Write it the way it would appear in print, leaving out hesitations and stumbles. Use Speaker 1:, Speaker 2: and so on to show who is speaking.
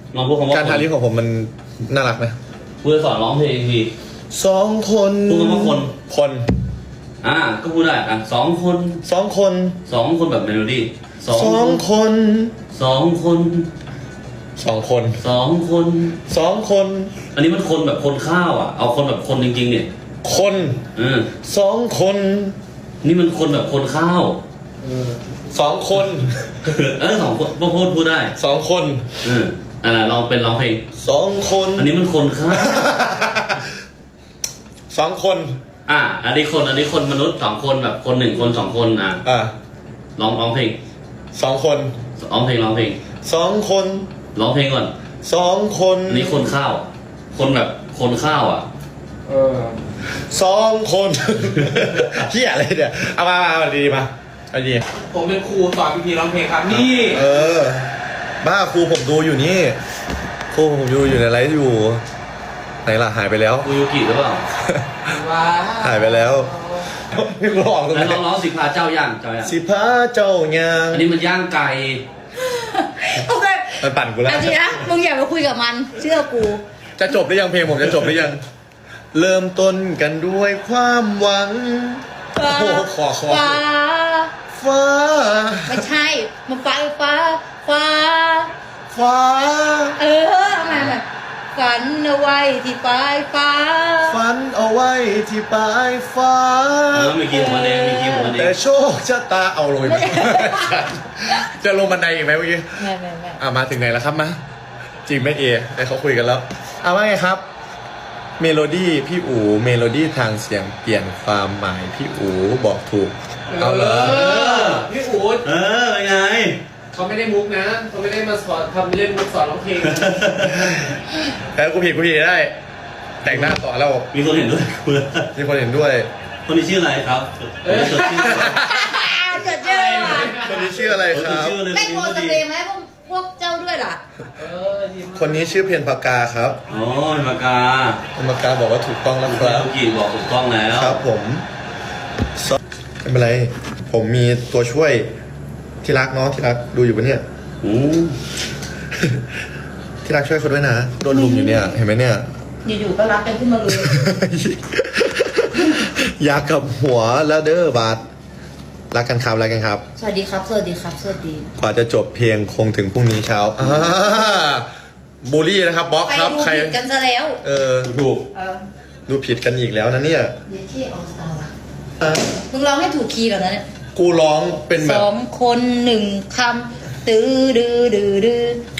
Speaker 1: ลองพูดคำว่า
Speaker 2: การทาลิปของผมมันน่ารักไหม
Speaker 1: พูดสอนร้องเพลงที
Speaker 2: สองคน
Speaker 1: พูดคำว่าคน
Speaker 2: คน
Speaker 1: ก็พูดได้สองคน
Speaker 2: สองคน
Speaker 1: สองคนแบบเมโลดี้
Speaker 2: สองคน
Speaker 1: สองคน
Speaker 2: สองคน
Speaker 1: สองคน
Speaker 2: สองคน
Speaker 1: อันนี้มันคนแบบคนข้าวเอาคนแบบคนจริงๆเนี่ย
Speaker 2: คนสองคน
Speaker 1: นี่มันคนแบบคนข้าว
Speaker 2: สองคน
Speaker 1: สองคนพูดได้
Speaker 2: สองคน
Speaker 1: ลองเป็นร้องเพลง
Speaker 2: สองคน
Speaker 1: อันนี้มันคนข้าว
Speaker 2: สองคน
Speaker 1: อันนี้คนมนุษย์สองคนแบบคนหนึ่งคนสองคนร้องเพลง
Speaker 2: สองคน
Speaker 1: ร้องเพลง
Speaker 2: สองคน
Speaker 1: ร้องเพลงก่อน
Speaker 2: สองคน
Speaker 1: อันนี้คนข้าว คนแบบคนข้าว
Speaker 2: สองคนเฮียอะไรเนี่ยเอามาดีมาเอาดี
Speaker 3: ผมเป็นครูสอนพี่ร้องเพลงครับนี่
Speaker 2: บ้าครูผมดูอยู่นี่ครูผมดูอยู่ในไลฟ์อยู่ไหนล่ะหายไปแล้ว
Speaker 1: กูยูกิหรือเปล่า
Speaker 3: ว้า
Speaker 2: หายไปแล้วไม่ร้องตรง
Speaker 1: แล้ว
Speaker 2: นี้
Speaker 1: ร้องสิพาเจ้าย่าง
Speaker 2: สิพาเจ้าย่าง
Speaker 1: อันนี้มันย่างไก่
Speaker 4: โอเค
Speaker 2: มันปั่นกูแล้ว
Speaker 4: เอาจริงนะมึงอย่าไปคุยกับมันเชื่อกู
Speaker 2: จะจบหรือยังเพลงผมจะจบหรือยังเริ่มต้นกันด้วยความหวัง
Speaker 4: ฟ้า
Speaker 2: โอ้โหขอ
Speaker 4: ฟ้า
Speaker 2: ฟ้า
Speaker 4: ไม่ใช่มันฟ้าฟ้า
Speaker 2: ฟ้า
Speaker 4: ทำไมฝันเอาไว้ที่ปลายฟ้า
Speaker 2: ฝันเอาไว้ที่ปลายฟ้า
Speaker 1: มีคีย์ของมันเองมีคีย์ของมันเอ
Speaker 2: แต่
Speaker 1: ง
Speaker 2: โชคชะตาเอาเลยจะลงบันไดอีกไหมเมื่อกี้
Speaker 4: ไม่
Speaker 2: มาถึงไหนแล้วครับมาจริงไหมเอได้เขาคุยกันแล้วว่าไงครับ เมโลดี้พี่อู๋เมโลดี้ทางเสียงเปลี่ยนความหมายพี่อู๋บอกถูกเอาเลย
Speaker 3: พี่อู๊ด
Speaker 1: เป็นไง
Speaker 3: เขาไม่ได้มุกนะเขาไม่ได้มาสอนทำเล่นมุกสอนร้องเพลง
Speaker 2: แล้วกูผิดได้ แต่งหน้าต่อแล้ว
Speaker 1: มีคนเห็นด้วย
Speaker 2: มีคนเห็นด้วย
Speaker 1: คนนี้ชื่ออะไรครับจดชื่อ
Speaker 4: เกิดเจอว่ะ
Speaker 2: คนนี้ชื่ออะไรครับ
Speaker 1: ชื่อเลย
Speaker 4: ไม่โกนสเปรย์ไหมพวกเจ้าด้วยล่ะ
Speaker 3: ดีมาก
Speaker 2: คนนี้ชื่อเพียรปากกาครับ
Speaker 1: อ๋อปากกา
Speaker 2: เพียรปากกาบอกว่าถูกต้องแล้วครับ
Speaker 1: ยูกิบอกถูกต้องแล้ว
Speaker 2: ครับผมไม่เป็นไรผมมีตัวช่วยที่รักเนาะที่รักดูอยู่ปะเนี่ย ที่รักช่วยเขาด้วยนะโดนลุมอยู่เนี่ยเห็นไหมเนี่ย
Speaker 4: อยู่ๆก็รักกันขึ้นมาเลย
Speaker 2: อยากกับหัวแล้วเด้อบาสรักกันครับรักกันครับ
Speaker 4: สวัสดีครับสวัสดีครับสวัสดี
Speaker 2: กว่าจะจบเพลงคงถึงพรุ่งนี้เช้าบูลลี่นะครับบล็อก
Speaker 4: ไป
Speaker 2: ครับ
Speaker 4: ดู
Speaker 2: ใคร
Speaker 4: ผิดกันซะแล้ว
Speaker 2: ถูกดูผิดกันอีกแล้วนะเนี่ย
Speaker 4: เดี๋ยวที่ออสตาร์มึงร้องให้ถูกคีย์ก่อนนะเนี่ย
Speaker 2: กูร้องเป็นแบ
Speaker 4: ส
Speaker 2: บ
Speaker 4: องคนหนึ่งคำตื้อดื้อดื้อดื้อ